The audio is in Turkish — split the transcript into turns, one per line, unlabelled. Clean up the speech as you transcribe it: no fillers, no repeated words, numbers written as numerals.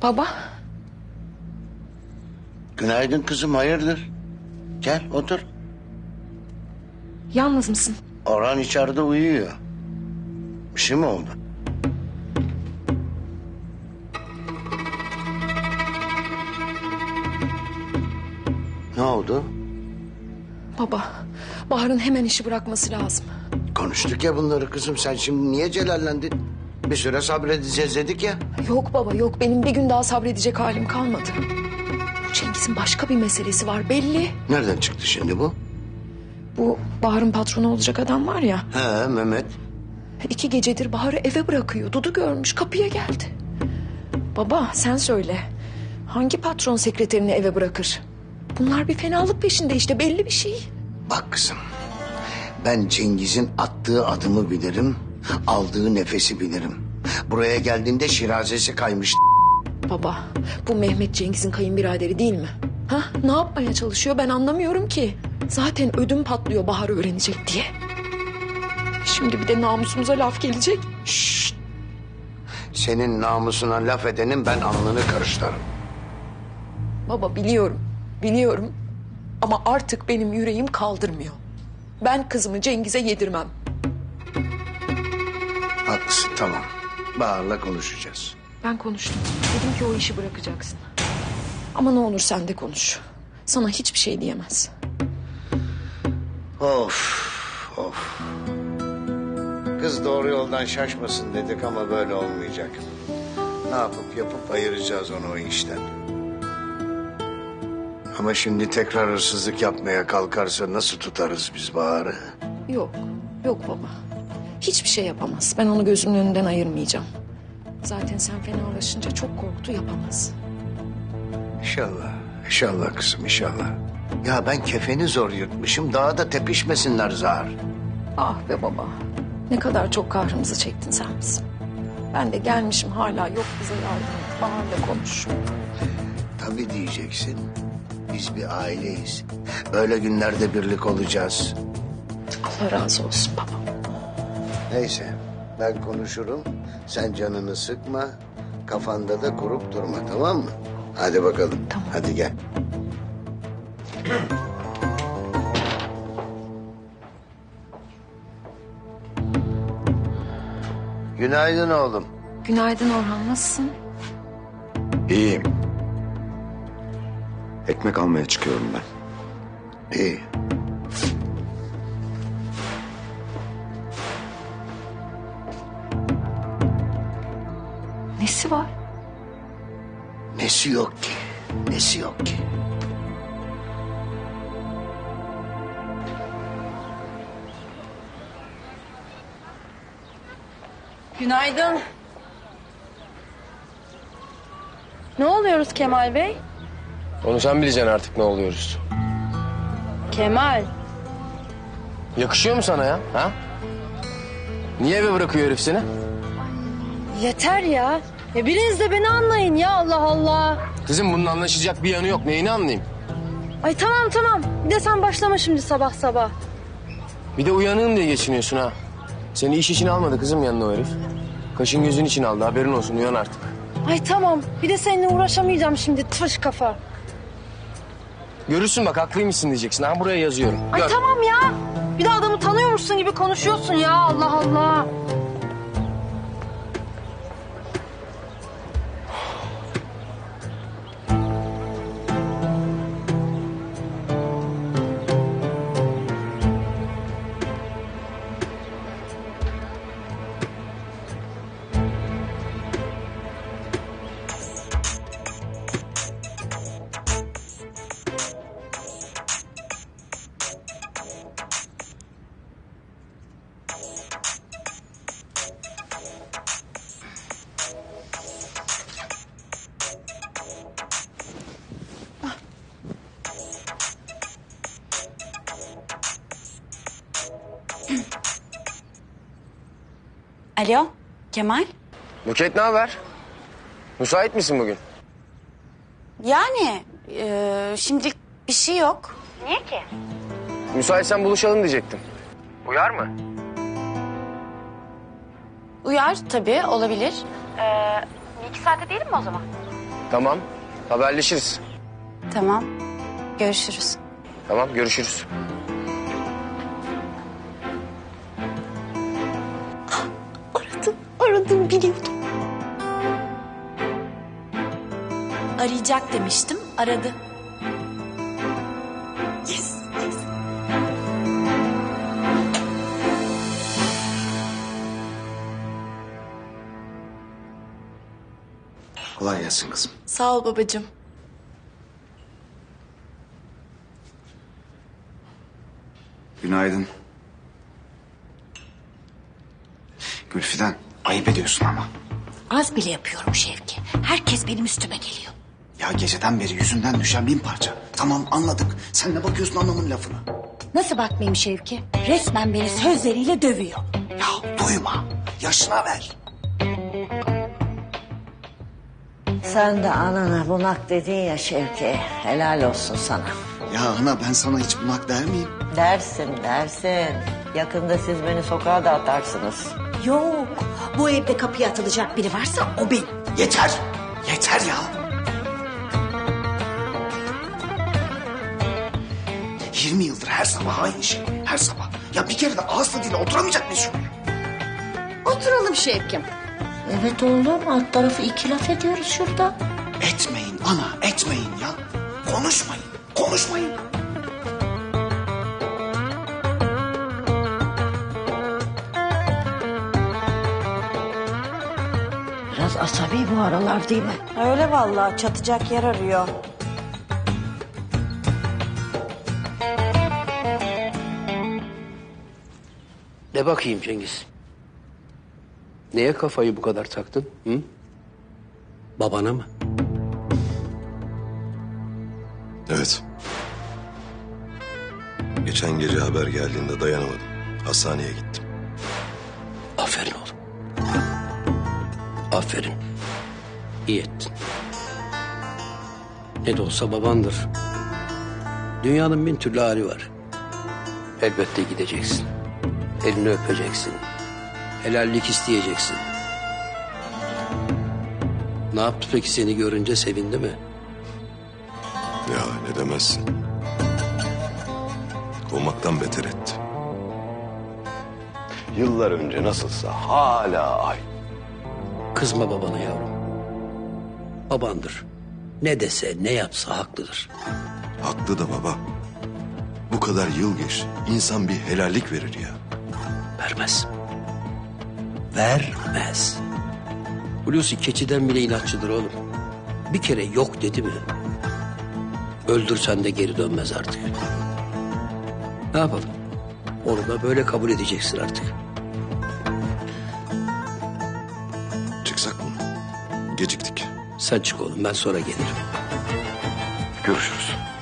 Baba.
Günaydın kızım, hayırdır? Gel otur.
Yalnız mısın?
Orhan içeride uyuyor. Bir şey mi oldu? Ne oldu?
Baba, Bahar'ın hemen işi bırakması lazım.
Konuştuk ya bunları kızım. Sen şimdi niye celallendin? Bir süre sabredeceğiz dedik ya.
Yok baba yok, benim bir gün daha sabredecek halim kalmadı. Bu Cengiz'in başka bir meselesi var belli.
Nereden çıktı şimdi bu?
Bu Bahar'ın patronu olacak adam var ya.
He Mehmet.
2 gecedir Bahar'ı eve bırakıyor. Dudu görmüş, kapıya geldi. Baba sen söyle. Hangi patron sekreterini eve bırakır? Bunlar bir fenalık peşinde işte, belli bir şey.
Bak kızım. Ben Cengiz'in attığı adımı bilirim. Aldığı nefesi bilirim. Buraya geldiğinde şirazesi kaymış.
Baba, bu Mehmet Cengiz'in kayınbiraderi değil mi? Ha? Ne yapmaya çalışıyor ben anlamıyorum ki. Zaten ödüm patlıyor Bahar öğrenecek diye. Şimdi bir de namusumuza laf gelecek.
Şşt! Senin namusuna laf edenin ben alnını karışlarım.
Baba biliyorum. Ama artık benim yüreğim kaldırmıyor. Ben kızımı Cengiz'e yedirmem.
Haklısın, tamam. Bahar'la konuşacağız.
Ben konuştum. Dedim ki o işi bırakacaksın. Ama ne olur sen de konuş. Sana hiçbir şey diyemez.
Of, of. Kız doğru yoldan şaşmasın dedik ama böyle olmayacak. Ne yapıp ayıracağız onu o işten. Ama şimdi tekrar hırsızlık yapmaya kalkarsa nasıl tutarız biz Bahar'ı?
Yok baba. Hiçbir şey yapamaz. Ben onu gözümün önünden ayırmayacağım. Zaten sen fenalaşınca çok korktu, yapamaz.
İnşallah kızım, inşallah. Ya ben kefeni zor yırtmışım, daha da tepişmesinler zar.
Ah be baba. Ne kadar çok kahrımızı çektin sen bizim. Ben de gelmişim hala yok bize yardım et. Bahar'la konuş.
Tabii diyeceksin. Biz bir aileyiz. Öyle günlerde birlik olacağız.
Allah razı olsun baba.
Neyse, ben konuşurum. Sen canını sıkma. Kafanda da kurup durma, tamam mı? Hadi bakalım.
Tamam.
Hadi gel. Günaydın oğlum.
Günaydın Orhan, nasılsın?
İyiyim. Ekmek almaya çıkıyorum ben.
İyi.
Nesi var?
Nesi yok ki? Nesi yok ki?
Günaydın. Ne oluyoruz Kemal Bey?
Onu sen bileceksin artık ne oluyoruz.
Kemal.
Yakışıyor mu sana ya? Ha? Niye eve bırakıyor herif seni?
Yeter ya. Ya biriniz de beni anlayın ya, Allah Allah.
Kızım bunun anlaşılacak bir yanı yok. Neyini anlayayım?
Ay tamam. Bir de sen başlama şimdi sabah sabah.
Bir de uyanığım diye geçiniyorsun ha. Seni iş için almadı kızım yanına o herif. Kaşın gözün için aldı, haberin olsun, uyan artık.
Ay tamam. Bir de seninle uğraşamayacağım şimdi, tırs kafa.
Görürsün bak haklıymışsın diyeceksin. Ha buraya yazıyorum.
Ay
Gör.
tamam ya. Bir de adamı tanıyormuşsun gibi konuşuyorsun ya, Allah Allah.
Alo, Kemal?
Buket ne haber? Müsait misin bugün?
Yani şimdilik bir şey yok. Niye ki?
Müsaitsen buluşalım diyecektim. Uyar mı?
Uyar tabii, olabilir. Bir iki saate değilim mi o zaman?
Tamam. Haberleşiriz.
Tamam. Görüşürüz.
Tamam görüşürüz.
Aradım biliyordum.
Arayacak demiştim. Aradı.
Yes.
Kolay gelsin kızım.
Sağ ol babacığım.
Günaydın. Gülfiden, ayıp ediyorsun ama.
Az bile yapıyorum Şevki. Herkes benim üstüme geliyor.
Ya geceden beri yüzünden düşen 1000 parça. Tamam anladık. Sen ne bakıyorsun anlamın lafına?
Nasıl bakmayayım Şevki? Resmen beni sözleriyle dövüyor.
Ya duyma. Yaşına ver.
Sen de anana bunak dedin ya Şevki. Helal olsun sana.
Ya ana ben sana hiç bunak der miyim?
Dersin. Yakında siz beni sokağa da atarsınız.
Yok. Bu evde kapıya atılacak biri varsa o benim.
Yeter. Yeter ya. 20 yıldır her sabah aynı şey. Her sabah. Ya bir kere de ağız tadıyla oturamayacak mıyız şöyle?
Oturalım Şevkim.
Evet oğlum alt tarafı 2 laf ediyoruz şurada.
Etmeyin ana, etmeyin ya. Konuşmayın, konuşmayın.
Biraz asabi bu aralar değil mi?
Öyle vallahi çatacak yer arıyor.
De bakayım Cengiz. Neye kafayı bu kadar taktın? Hı? Babana mı?
Evet. Geçen gece haber geldiğinde dayanamadım. Hastaneye gittim.
Aferin oğlum. Aferin. İyi ettin. Ne de olsa babandır. Dünyanın bin türlü hali var. Elbette gideceksin. Elini öpeceksin. Helallik isteyeceksin. Ne yaptı peki seni görünce sevindi mi?
Ya ne demezsin. Kovmaktan beter etti. Yıllar önce nasılsa hala aynı.
Kızma babana yavrum. Babandır. Ne dese ne yapsa haklıdır.
Haklı da baba. Bu kadar yıl geçti. İnsan bir helallik verir ya.
Vermez. Vermez. Hulusi keçiden bile inatçıdır oğlum. Bir kere yok dedi mi? Öldürsen de geri dönmez artık. Ne yapalım? Onu da böyle kabul edeceksin artık.
Çıksak mı? Geciktik.
Sen çık oğlum, ben sonra gelirim.
Görüşürüz.